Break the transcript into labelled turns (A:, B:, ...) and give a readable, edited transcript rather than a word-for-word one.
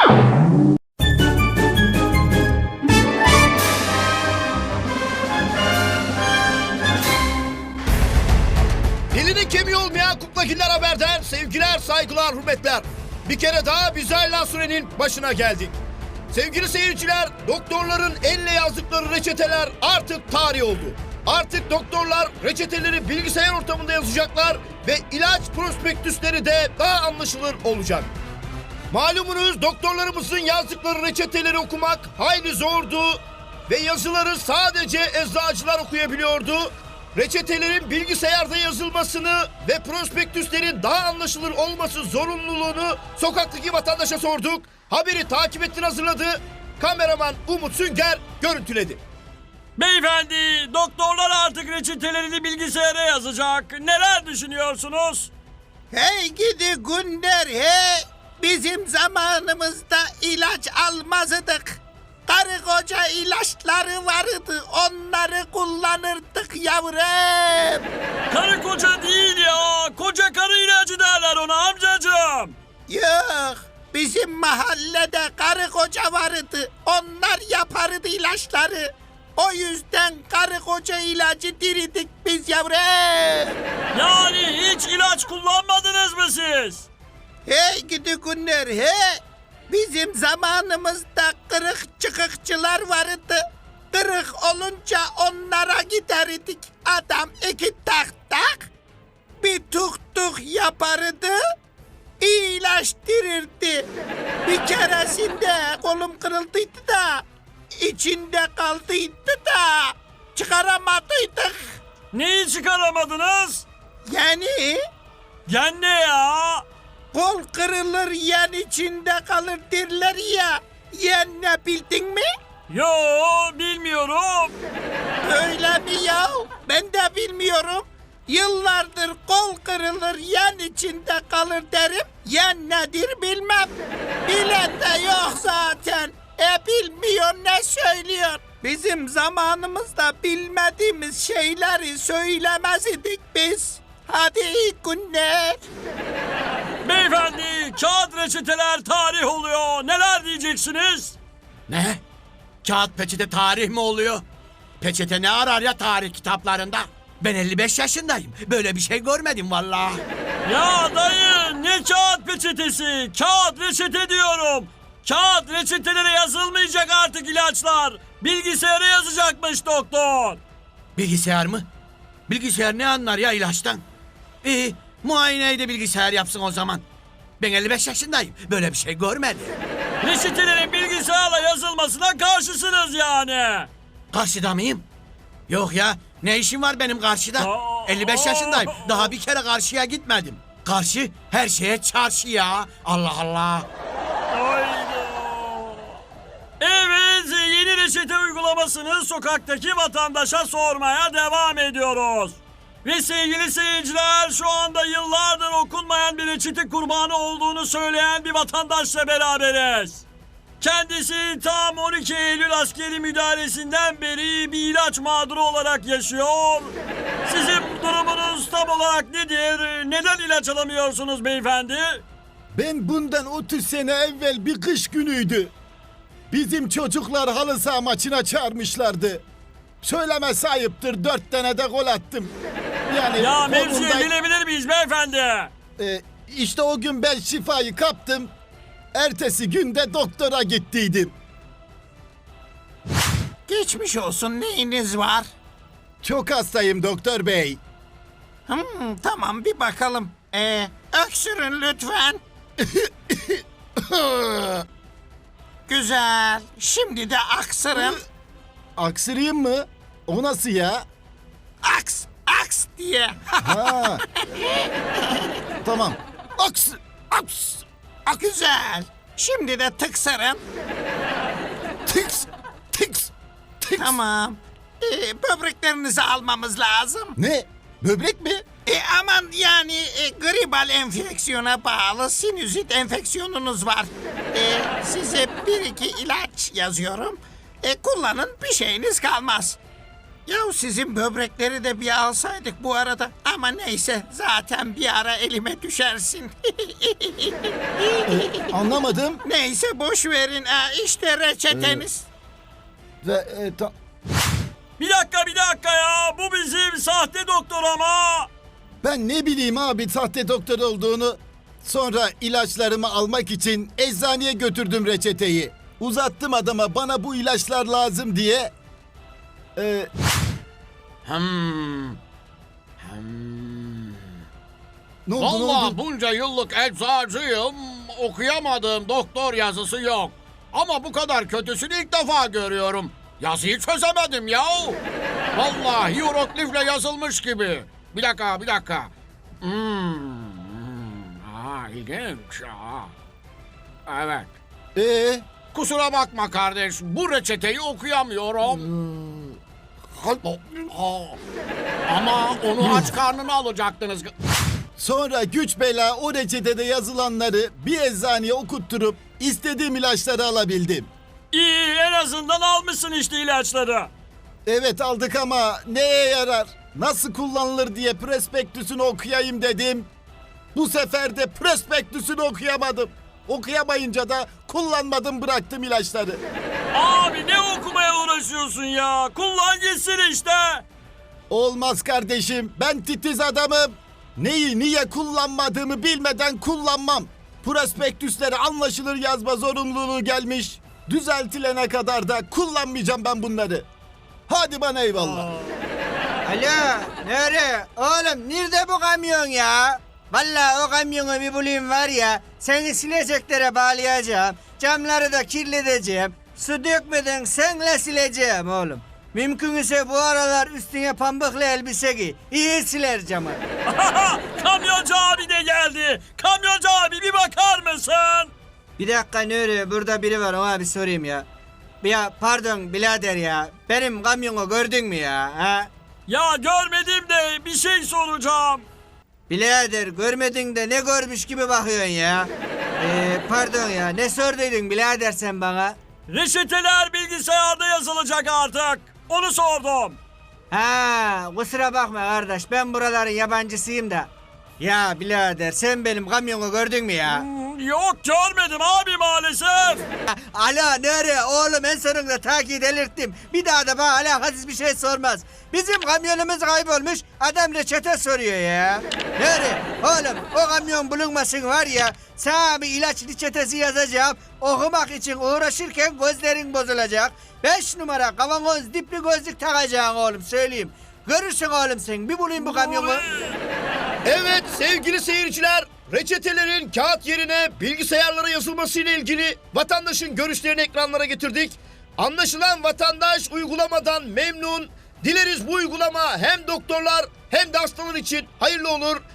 A: Dilinin kemiği olmayan Kuklakiler Haber'den sevgiler, saygılar, hürmetler. Bir kere daha Bizayla Sürenin başına geldik. Sevgili seyirciler, doktorların elle yazdıkları reçeteler artık tarih oldu. Artık doktorlar reçeteleri bilgisayar ortamında yazacaklar ve ilaç prospektüsleri de daha anlaşılır olacak. Malumunuz doktorlarımızın yazdıkları reçeteleri okumak hayli zordu ve yazıları sadece eczacılar okuyabiliyordu. Reçetelerin bilgisayarda yazılmasını ve prospektüslerin daha anlaşılır olması zorunluluğunu sokaktaki vatandaşa sorduk. Haberi takip ettin, hazırladı. Kameraman Umut Sünger görüntüledi.
B: Beyefendi, doktorlar artık reçetelerini bilgisayara yazacak. Neler düşünüyorsunuz?
C: Hey gidi Günler hey! Bizim zamanımızda ilaç almazdık. Karı koca ilaçları vardı, onları kullanırdık yavrum.
B: Karı koca değil ya, koca karı ilacı derler ona amcacığım.
C: Yok, bizim mahallede karı koca vardı, onlar yapardı ilaçları. O yüzden karı koca ilacı diridik biz yavrum.
B: Yani hiç ilaç kullanmadınız mı siz?
C: Hey gidi Günler hey! Bizim zamanımızda kırık çıkıkçılar vardı. Kırık olunca onlara giderdik. Adam iki tak tak bir tuk tuk yapardı. İyileştirirdi. Bir keresinde kolum kırıldıydı da içinde kaldıydı da çıkaramadıydık.
B: Neyi çıkaramadınız?
C: Yani
B: Gen ne ya?
C: kol kırılır yen içinde kalır derler ya. Yen ne bildin mi?
B: Yo, bilmiyorum.
C: Öyle mi ya? Ben de bilmiyorum. Yıllardır kol kırılır yen içinde kalır derim. Yen nedir bilmem. Bilen de yok zaten. Bilmiyor ne söylüyor. Bizim zamanımızda bilmediğimiz şeyleri söylemez idik biz. Hadi iyi günler.
B: Beyefendi, kağıt reçeteler tarih oluyor. Neler diyeceksiniz?
D: Ne? Kağıt peçete tarih mi oluyor? Peçete ne arar ya tarih kitaplarında? Ben 55 yaşındayım. Böyle bir şey görmedim vallahi.
B: Ya dayı, ne kağıt peçetesi? Kağıt reçete diyorum. Kağıt reçetelere yazılmayacak artık ilaçlar. Bilgisayara yazacakmış doktor.
D: Bilgisayar mı? Bilgisayar ne anlar ya ilaçtan? İyi, muayeneyi de bilgisayar yapsın o zaman. Ben 55 yaşındayım. Böyle bir şey görmedim.
B: Reçetelerin bilgisayarla yazılmasına karşısınız yani.
D: Karşıda mıyım? Yok ya, ne işim var benim karşıda? 55 yaşındayım. Daha bir kere karşıya gitmedim. Karşı her şeye çarşı ya. Allah Allah.
B: Hayda. Evet, yeni reçete uygulamasını sokaktaki vatandaşa sormaya devam ediyoruz. Ve sevgili seyirciler, şu anda yıllardır okunmayan bir reçete kurbanı olduğunu söyleyen bir vatandaşla beraberiz. Kendisi tam 12 Eylül askeri müdahalesinden beri bir ilaç mağduru olarak yaşıyor. Sizin durumunuz tam olarak nedir? Neden ilaç alamıyorsunuz beyefendi?
E: Ben bundan 30 sene evvel bir kış günüydü. Bizim çocuklar halı saha maçına çağırmışlardı. Söylemesi ayıptır, 4 tane de gol attım. Yani
B: Ya mevzuyu
E: kolumda-
B: bilebilir miyiz beyefendi?
E: İşte o gün ben şifayı kaptım. Ertesi günde doktora gittiydim.
C: Geçmiş olsun, neyiniz var?
E: Çok hastayım doktor bey.
C: Tamam bir bakalım. Öksürün lütfen. Güzel. Şimdi de aksırın.
E: Aksırayım mı? O nasıl ya?
C: Aks, aks diye.
E: Ha. Tamam. Aks, aks,
C: Güzel. Şimdi de tıksırın.
E: tiks, tiks, tiks.
C: Tamam. Böbreklerinizi almamız lazım.
E: Ne? Böbrek mi?
C: Aman yani gribal enfeksiyona bağlı sinüzit enfeksiyonunuz var. Size bir iki ilaç yazıyorum. Kullanın, bir şeyiniz kalmaz. Ya sizin böbrekleri de bir alsaydık bu arada. Ama neyse zaten bir ara elime düşersin.
E: Anlamadım.
C: Neyse boş verin. İşte reçeteniz.
E: Ve
B: Bir dakika ya. Bu bizim sahte doktor ama.
E: ben ne bileyim abi sahte doktor olduğunu. Sonra ilaçlarımı almak için eczaneye götürdüm reçeteyi. Uzattım adama bana bu ilaçlar lazım diye. Ne oldu ne
F: Vallahi
E: oldu?
F: bunca yıllık eczacıyım, okuyamadım, doktor yazısı yok. Ama bu kadar kötüsünü ilk defa görüyorum. Yazıyı çözemedim ya. Vallahi hieroglifle yazılmış gibi. Bir dakika. İlginç. Evet. Kusura bakma kardeş, bu reçeteyi okuyamıyorum. Ama onu aç karnına alacaktınız.
E: Sonra güç bela o reçetede yazılanları bir eczaneye okutturup istediğim ilaçları alabildim.
B: İyi, en azından almışsın işte ilaçları.
E: Evet aldık ama neye yarar? Nasıl kullanılır diye prospektüsünü okuyayım dedim. Bu sefer de prospektüsünü okuyamadım. Okuyamayınca da kullanmadım bıraktım ilaçları.
B: Abi ne okumaya uğraşıyorsun ya? Kullan gitsin işte.
E: Olmaz kardeşim ben titiz adamım. Neyi niye kullanmadığımı bilmeden kullanmam. Prospektüsleri anlaşılır yazma zorunluluğu gelmiş. Düzeltilene kadar da kullanmayacağım ben bunları. Hadi bana eyvallah.
G: Alo, nerede? Oğlum nerede bu kamyon ya? Vallahi o kamyonu bir bulayım var ya, seni sileceklere bağlayacağım, camları da kirleteceğim, su dökmeden senle sileceğim oğlum. Mümkünse bu aralar üstüne pambıklı elbise giy, iyi siler camı.
B: Kamyoncu abi de geldi. Kamyoncu abi bir bakar mısın?
G: Bir dakika Nuri, burada biri var ona bir sorayım ya. Ya pardon birader ya, benim kamyonu gördün mü ya? Ha?
B: Ya görmedim de bir şey soracağım.
G: Birader görmedin de ne görmüş gibi bakıyorsun ya. Pardon ya ne sorduydun birader sen bana?
B: Reçeteler bilgisayarda yazılacak artık. Onu sordum.
G: Ha kusura bakma kardeş ben buraların yabancısıyım da. Ya birader sen benim kamyonu gördün mü ya?
B: Yok görmedim abi maalesef.
G: Alo nere oğlum en sonunda takip delirttim. Bir daha da bana alakasız bir şey sormaz. Bizim kamyonumuz kaybolmuş adam reçete soruyor ya. Nere oğlum o kamyon bulunmasın var ya sana bir ilaç reçetesi yazacağım. Okumak için uğraşırken gözlerin bozulacak. 5 numara kavanoz dipli gözlük takacaksın oğlum söyleyeyim. Görürsün oğlum sen bir bulayım bu kamyonu.
A: Evet sevgili seyirciler, reçetelerin kağıt yerine bilgisayarlara yazılması ile ilgili vatandaşın görüşlerini ekranlara getirdik. Anlaşılan vatandaş uygulamadan memnun. Dileriz bu uygulama hem doktorlar hem de hastalar için hayırlı olur.